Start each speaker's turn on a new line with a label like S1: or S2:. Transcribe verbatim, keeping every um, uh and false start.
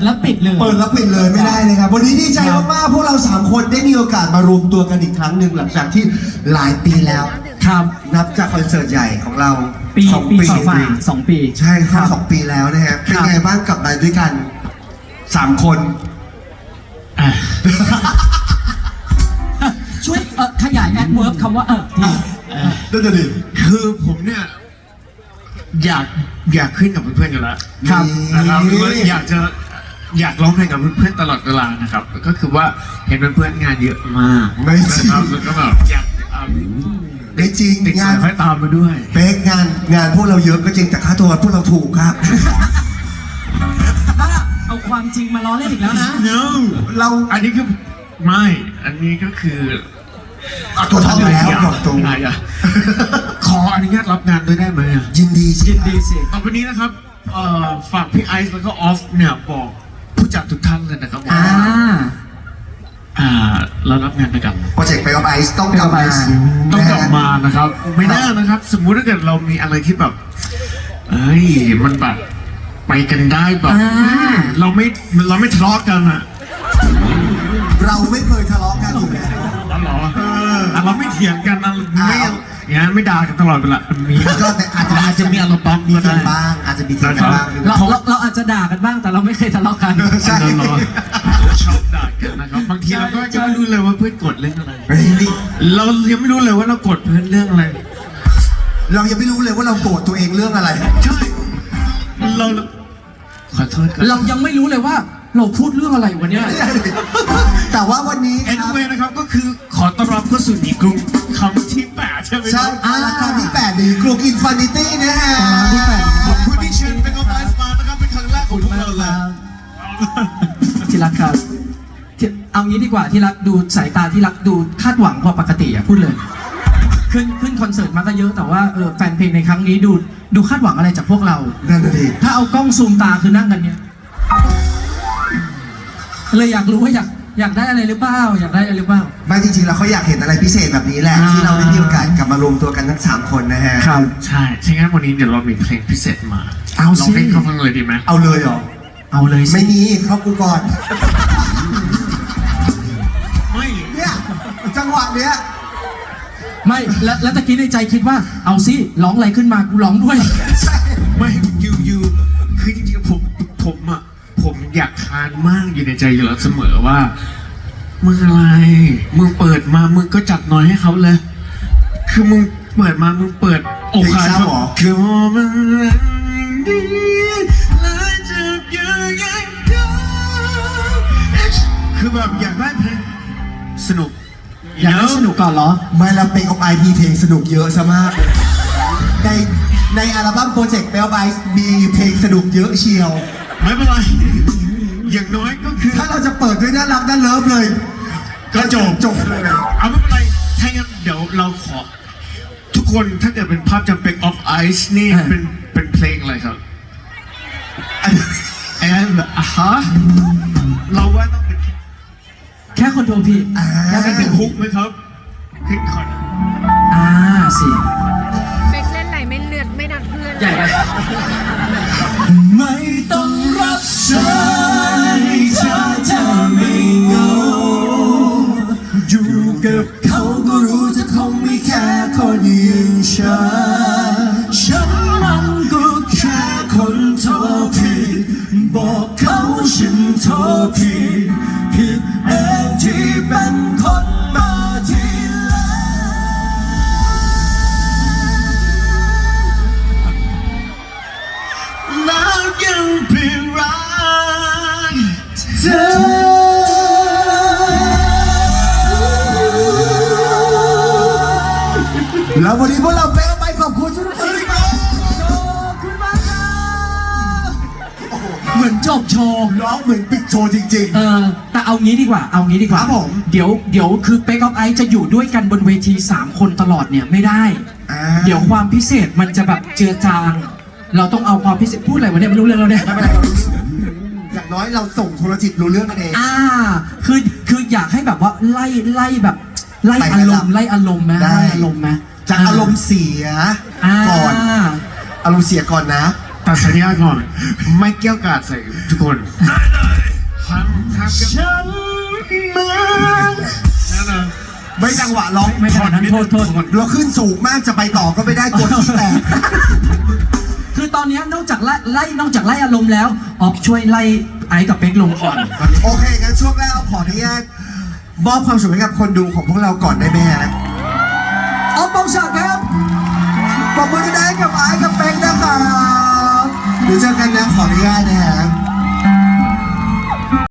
S1: แล้วปิดเลย
S2: เปิดแล้วปิดเลยไม่ได้เลยครับวันนี้ดีใจมากๆพวกเราสามคนได้มีโอกาสมารวมตัวกันอีกครั้งหนึ่งหลังจากที่หลายปีแล้ว
S1: ครับ
S2: นับจากคอนเสิร์ตใหญ่ของเรา
S1: ปี
S2: สอง
S1: ปี
S2: ปี
S1: สองฝ่าสองปี
S2: ใช่ครับสองปีแล้วนะฮะเป็น
S1: ครับ
S2: ไงบ้างกลับมาด้วยกันสามคน
S1: อ่ะช่วยเอ่อขยายแอดเวิร์บคำว่าเออที
S2: นั่นจะดี
S3: คือผมเนี่ยอยากอยากขึ้นกับเพื่อนๆกันแล้ว
S1: ครับ
S3: นะครับหรือว่าอยากจะอยากร้องเพลงกับเพื่อนๆตลอดเวลานะครับ ก็คือว่าเห็นเพื่อนๆงานเยอะมาก
S2: ไม่จริง
S3: นะครับแล้วก็แบบอยากเอา
S2: ได้จริง
S3: ติด
S2: งา
S3: สาน ยไฟตามมาด้วย
S2: เป๊กงานงานพวกเราเยอะก็จริงแต่ค่าตัวพวกเราถูกครับ
S1: บ้าเอาความจริงมาล้อเล่นอีกแล้วนะ
S3: no
S2: เรา
S3: อันนี้คือไม่อันนี้ก็คือ
S2: เอาตัวท็อปอยู่แล้วบอกตรง
S3: อะไรอะขออนุญาตรับงานด้วยได้ไหมอะ
S2: ยินดีสิ
S1: ยินดีสิ
S3: ต่อไปนี้นะครับเอ่อฝากพี่ไอซ์แล้วก็ออฟเนี่ยบอกผู้จัดทุกท่านเลยนะครับว่า
S1: อ่า
S3: อ่าเรารับงานด้วยกัน
S2: โปรเจกต์ไปออฟไอซ์ต้องกลับมา
S1: Pay of Ice
S3: ต้องกลับมานะครับ ไม่น่านะครับ สมมุติถ้าเกิดเรามีอะไรที่แบบเอ้ยมันแบบไปกันได้แบบ
S1: อ่า
S3: เราไม่เราไม่ทะเลาะกันอะ
S2: เราไม่เคยทะเลาะกันอยู่แล้ว
S3: อ๋อเหรออ่ะเราไม่เถียงกันอะไม่
S2: อ้าว
S3: อย่างนั้นไม่ด่ากันตลอดเวลามี
S2: ก็แต่อาจจะ
S3: อาจจะมีอารมณ์บ้าง
S2: มี
S3: ก็
S2: เถีย
S3: ได้
S2: งบ้างอาจจะมีเถียงกันบ้าง
S1: เราเราเราอาจจะด่ากันบ้างแต่เราไม่เคยทะเลาะกัน
S2: ใช่
S3: อันนั้นเหรอชอบด่ากันนะครับบางทีเราก็ยังไม่รู้เลยว่าเพื่อนกดเรื่องอะไร
S2: เฮ้ยนี่
S3: เรายังไม่รู้เลยว่าเรากดเพื่อนเรื่องอะไร
S2: เรายังไม่รู้เลยว่าเราโกรธตัวเองเรื่องอะไร
S3: ใช่เราขอโทษครับ
S1: เรายังไม่รู้เลยว่าเราพูดเรื่องอะไรวันเนี้ย
S2: แต่ว่าวันนี้
S3: เอ็น
S2: ครับ
S3: เวนะครับก็คือขอต้อนรับเข้าสู่ดีกรุงคำที่แปดใช่ไหมค
S2: ใช่
S3: รับ
S2: อาราคาที่แปดดีกลุ่มอินฟินิตี้นะฮะ
S1: ที่แปด
S3: ขอบคุณที่เชิญเป็นออฟไลน์มานะครับเป็นครั้งแรกของพวกเราเลย
S1: ที่รักครับที่เอางี้ดีกว่าที่รักดูสายตาที่รักดูคาดหวังกว่าปกติอ่ะพูดเลย ขึ้นขึ้นคอนเสิร์ตมาก็เยอะแต่ว่าเออแฟนเพลงในครั้งนี้ดูดูคาดหวังอะไรจากพวกเรา
S2: นั่นน่ะดิ
S1: ถ้าเอากล้องซูมตาคือนั่งกันเนี้ยเลยอยากรู้ว่าอยากอยากได้อะไรหรือเปล่าอยากได้อะไรหรือเปล่า
S2: ไม่จริงๆแล้วเขาอยากเห็นอะไรพิเศษแบบนี้แหละ
S1: อ่า
S2: ที่เราได้มีโอกาสกลับมารวมตัวกันทั้งสามคนนะฮะ
S3: ใช่ใช่งั้นวันนี้เดี๋ยวเรามีเพลงพิเศษมา
S1: เอาสิ
S3: ลองให้เขาฟังเลยดีไหม
S2: เอาเลยเหรอ
S1: เอาเลยสิ
S2: ไม่มีเข้ากูก่อน
S3: ไม่
S2: เนี่ยจังหวะเนี้ย
S1: ไม่แล้วแล้วตะกี้ในใจคิดว่า เอาสิร้องอะไรขึ้นมากูร้องด้วย
S3: ไม่ยูยูคือจริงๆผมผมอ่ะผมอยากคานมากอยู่ในใจอยู่แล้วเสมอว่ามึงอะไรมึงเปิดมามึงก็จัดน้อยให้เขาเลย คือมึงเปิดมามึงเปิดอกขาดคือมันดีและจะอยู่ยังไงคือแบบอยากได้เพลงสนุก
S1: อยากให้สนุกก่อนเหรอ
S2: ไม่ละเป็นของไอพีเพลงสนุกเยอะซะมากเลยในในอัลบั้มโปรเจกต์เบลไบมีเพลงสนุกเยอะเชียว
S3: ไม่เป็นไรอย่างน้อยก็คือ
S2: ถ้าเราจะเปิดด้วยน่ารักน่าเลิฟเลย
S3: ก็จบ
S2: จบเลย
S3: เอาไม่เป็นไรถ้างั้นเดี๋ยวเราขอ ทุกคนถ้าเกิดเป็นภาพจำเป็น of ice นี่
S1: อ่า
S3: เป็นเป็นเพลงอะไรครับไอ้แบบอ่ะฮะเราว่าต้องเป็น
S1: แค่คนโทรผิด
S2: อ่า
S1: แค่
S3: เป็
S1: เป็น น
S3: ฮุกไหมครับคลิกก่อน
S1: อ่าสิ
S4: เป็กเล่นไหลไม่เลือดไม่นัดเพื่อน
S1: ใหญ่ไปไม่ต้องรับสายถ้าเธอไม่เหงาอยู่กับเขาก็รู้จะคงไม่แค่คนอย่างฉันฉันมันก็แค่คนโทรผิดบอกเขาฉันโทรผิดผิดเองที่เป็นคนมาทีหลัง
S3: แล้วยังเพียงรักเธอ
S2: แล้ววันนี้พวกเราเบลไปขอบคุณทุกคน
S1: ขอบคุณมากครับเหมือนจบโชว์
S2: ร้องเหมือนปิดโชว์จริง
S1: เออแต่เอางี้ดีกว่า เอางี้ดีกว่า
S2: ครับผม
S1: เดี๋ยวเดี๋ยวคือเป๊กออฟไอจะอยู่ด้วยกันบนเวทีสามคนตลอดเนี่ยไม่ได้
S2: ๆอ่า
S1: เดี๋ยวความพิเศษมันจะแบบเจือจาง เราต้องเอาความพิเศษพูดอะไรวะเนี่ยไม่รู้เรื่องแล้วเนี่ย
S2: ไม่เป็นไรเรารู้อย่างน้อยเราส่งโทรจิตรู้เรื่องกันเอง
S1: อ่า คือคืออยากให้แบบว่าไล่ไล่แบบ ไล่
S2: ไล่
S1: อาร
S2: ระดั
S1: ม
S2: บ
S1: ณ์ไล่อารมณ์ไหม
S2: ได้
S1: ไล่อารมณ์ไหม
S2: จากอารมณ์เสีย
S1: อ่า
S2: ก่อน อารมณ์เสียก่อนนะ
S3: ตัดสัญญาก่อน ไม่เกี่ยวกาดใส่ทุกคน
S2: ไ
S3: างกัน
S1: ฉันเหมือน
S3: นั่นน่ะ
S2: ไม่จังหวะร้อง
S1: ไม่ขนาดนั้นโทษโทษ
S2: เราขึ้นสูงมากจะไปต่อก็ไม่ได้กดที่แตก
S1: คือตอนนี้นอกจากไล่ไล่นอกจากไล่อารมณ์แล้วออกช่วยไล่ไอ้กับเป๊กลงก่อน
S2: โอเคงั้นช่วงแรกเอาขออนุญาตมอบความสุขให้กับคนดูของพวกเราก่อนได้ไหมฮะออฟปองศักดิ์ครับปรบมือได้กับไอ้กับเป๊กนะครับเดี๋ยวเจอกันนะขออนุญาตนะฮะ